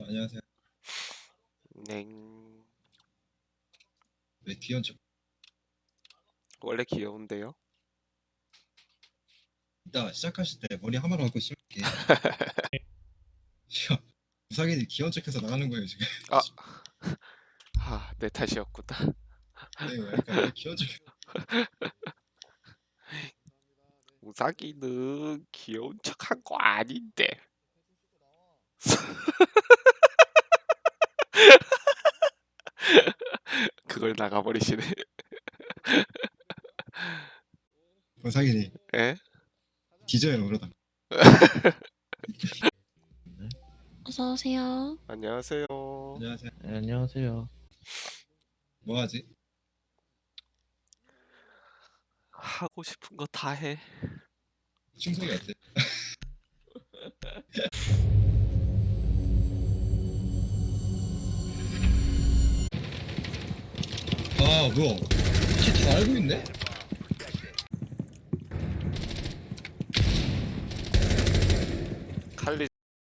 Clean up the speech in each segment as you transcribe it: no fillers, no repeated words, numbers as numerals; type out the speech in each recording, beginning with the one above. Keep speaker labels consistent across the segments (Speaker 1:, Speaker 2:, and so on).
Speaker 1: 안녕하세요.
Speaker 2: 냉.
Speaker 1: 왜 귀여운 척?
Speaker 2: 원래 귀여운데요?
Speaker 1: 이따 시작하실 때 머리 하나로 하고 심을게. 무사기님 귀여운 척해서 나가는 거예요 지금.
Speaker 2: 아, 내 탓이었구나.
Speaker 1: 네, 그러니까 왜 귀여운 척?
Speaker 2: 우사기는 귀여운 척한 거 아닌데. 그걸 나가버리시네.
Speaker 1: 무사기님
Speaker 2: 에?
Speaker 1: 뒤져요 그러다.
Speaker 3: 어서 오세요.
Speaker 2: 안녕하세요.
Speaker 1: 안녕하세요.
Speaker 4: 네, 안녕하세요.
Speaker 1: 뭐 하지?
Speaker 2: 하고 싶은 거 다 해.
Speaker 1: 충성이 어때? 아 뭐야? 다 알고 있네?
Speaker 2: 칼리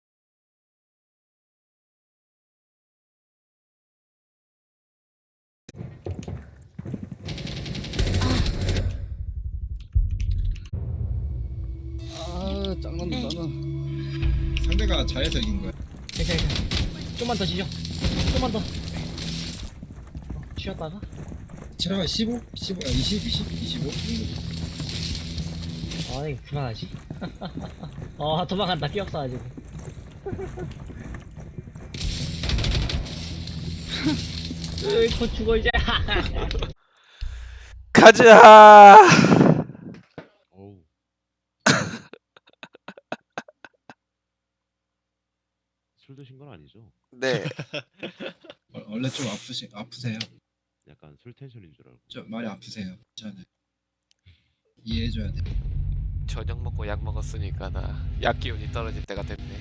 Speaker 4: 짱난다,
Speaker 3: 네.
Speaker 4: 짱나.
Speaker 1: 상대가 잘해서 이긴 거야.
Speaker 4: 좀만 더 쉬죠. 좀만 더. 쉬었다가.
Speaker 1: 체력이 15? 15? 20? 20? 25?
Speaker 4: 아이, 그만하지. 도망간다. 끼없어가지고. 곧 죽어, 이제.
Speaker 2: 가자.
Speaker 5: 어우. 술 드신 건 아니죠?
Speaker 2: 네.
Speaker 1: 원래 좀 아프세요.
Speaker 5: 약간 술 텐션인 줄 알고.
Speaker 1: 좀 많이 아프세요. 괜찮아요. 이해해줘야 돼.
Speaker 2: 저녁 먹고 약 먹었으니까 나 약 기운이 떨어질 때가 됐네.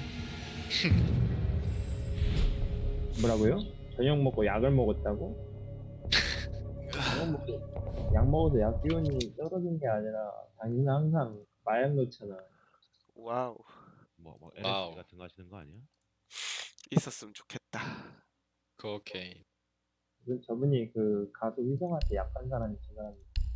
Speaker 6: 뭐라고요? 저녁 먹고 약을 먹었다고? 저녁 먹고 약 먹어서 약 기운이 떨어진 게 아니라 당신은 항상 마약 넣잖아.
Speaker 2: 와우.
Speaker 5: 뭐 LSD
Speaker 7: 와우.
Speaker 5: 같은 거 하시는 거 아니야?
Speaker 2: 있었으면 좋겠다.
Speaker 7: 코케인.
Speaker 6: 저분이 그 가수 위성한테 약한 사람이 저 사람이.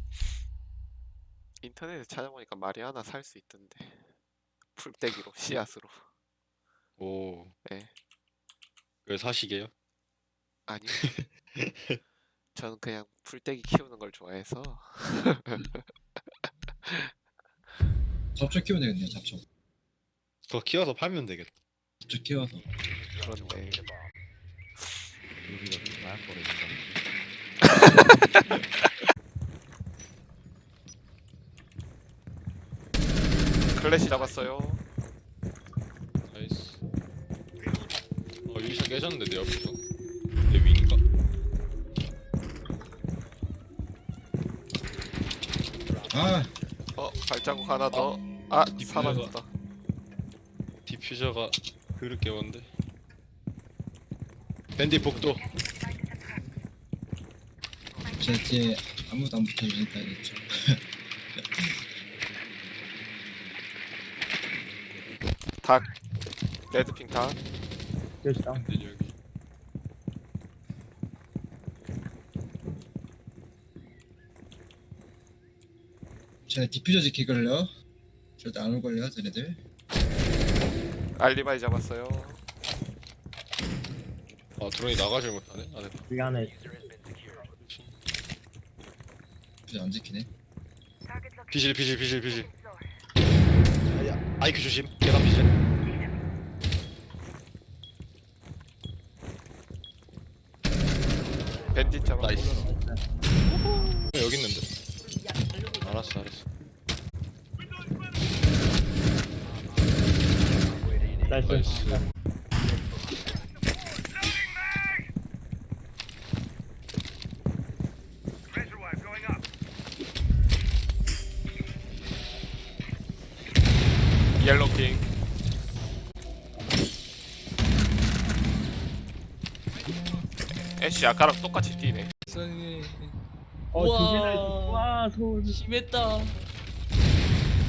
Speaker 2: 인터넷에 찾아보니까 마리아나 살 수 있던데. 풀떼기로 씨앗으로.
Speaker 7: 오.
Speaker 2: 네.
Speaker 7: 그걸 사시게요?
Speaker 2: 아니요. 저는 그냥 풀떼기 키우는 걸 좋아해서.
Speaker 1: 잡초 키우면 되겠네요. 잡초.
Speaker 7: 그거 키워서 팔면 되겠다.
Speaker 1: 잡초 키워서.
Speaker 2: 그런데
Speaker 5: 우리가 좀 마약 거래 된다는데.
Speaker 2: 클래시 잡았어요.
Speaker 7: 나이스. 유리창 깨졌는데 내 옆에서. 내 위인가?
Speaker 1: 아
Speaker 2: 발자국 하나 더. 아,
Speaker 7: 디퓨저가.
Speaker 2: 사라졌다.
Speaker 7: 디퓨저가 그를 깨웠는데. 밴디 복도.
Speaker 1: 제 뒤에 아무도 안 붙어주니까 이랬죠.
Speaker 2: 닭. 레드핑 닭.
Speaker 6: 됐다.
Speaker 7: 밴디 여기.
Speaker 1: 제 디퓨저 지키걸요. 절대 안 올걸요, 쟤네들.
Speaker 2: 알리바이 잡았어요.
Speaker 7: 아 드론이 나가질 못하네. 안에.
Speaker 6: 여기 안에
Speaker 1: 디퓨저 안 지키네.
Speaker 7: 비실. 아이큐 조심. 계단 비실.
Speaker 2: 밴딧 잡았고.
Speaker 7: 나이스. 여기 있는데. 알았어.
Speaker 6: 나이스.
Speaker 7: 나이스.
Speaker 2: 옐로핑. 애쉬 아까랑 똑같이 뛰네.
Speaker 8: 세상에.
Speaker 6: 조심해.
Speaker 8: 우와.
Speaker 6: 와, 소울.
Speaker 8: 심했다.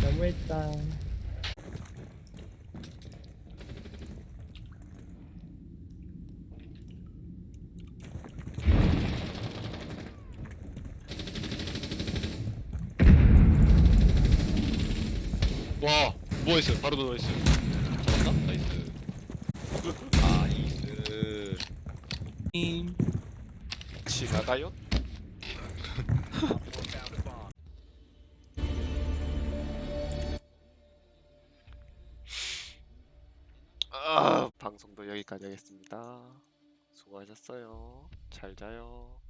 Speaker 6: 너무했다.
Speaker 7: 와 누워있어요. 바로 누워있어요. 잡았나? 나이스. 나이스.
Speaker 2: 지나가요? 방송도 여기까지 하겠습니다. 수고하셨어요. 잘 자요.